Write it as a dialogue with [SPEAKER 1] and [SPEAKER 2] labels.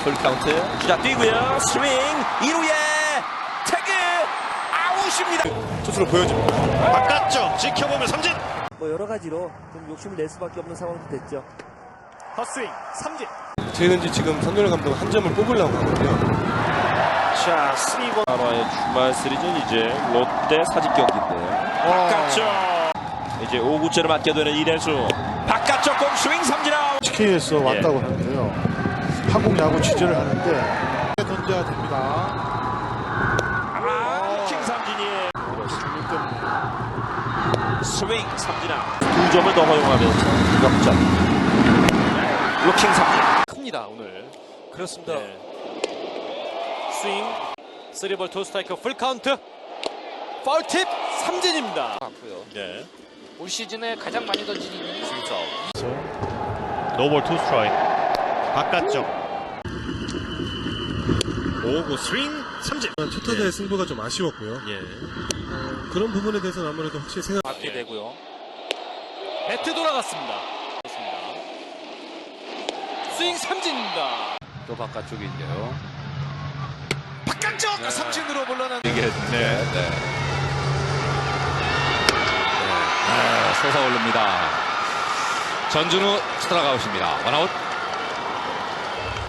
[SPEAKER 1] 풀카운트. 주자 뛰고요. 스윙 2루에 태그 아웃입니다.
[SPEAKER 2] 투수로 보여줍니다. 바깥쪽 지켜보면 삼진.
[SPEAKER 3] 뭐 여러 가지로 좀 욕심을 낼 수밖에 없는 상황도 됐죠.
[SPEAKER 2] 헛스윙 삼진.
[SPEAKER 4] 최은지 지금 선열 감독 한 점을 뽑으려고 하거든요.
[SPEAKER 2] 자, 3번.
[SPEAKER 1] 하나의 주말 시리즈는 이제 롯데 사직 경기인데요. 바깥쪽. 이제 5구째를 맞게 되는 이래수. 바깥쪽 공 스윙 삼진 아웃.
[SPEAKER 5] SK에서 왔다고 하는데요. 한국 야구 취재를 하는데 던져야 됩니다.
[SPEAKER 1] 루킹 삼진이에요. 스윙 삼진 아웃. 2점을 더 허용하면서 역전. 루킹 삼진.
[SPEAKER 2] 큽니다 오늘.
[SPEAKER 6] 그렇습니다.
[SPEAKER 2] 네. 스윙 3볼 2스트라이크 풀카운트 파울팁 삼진입니다.
[SPEAKER 6] 같고요.
[SPEAKER 2] 네.
[SPEAKER 6] 올 시즌에 가장 많이 던진 이닝이
[SPEAKER 2] 노볼 2스트라이크 바깥쪽 5구 스윙 삼진.
[SPEAKER 4] 첫 타자의 승부가 좀 아쉬웠고요.
[SPEAKER 2] 예.
[SPEAKER 4] 그런 부분에 대해서는 아무래도 확실히 생각.
[SPEAKER 6] 받게 되고요.
[SPEAKER 2] 배트 돌아갔습니다. 그렇습니다. 스윙 삼진입니다.
[SPEAKER 6] 또 바깥쪽인데요.
[SPEAKER 2] 바깥쪽 삼진으로 물러난.
[SPEAKER 6] 이게 솟아오릅니다. 전준우 스트라이크 아웃입니다. 원아웃.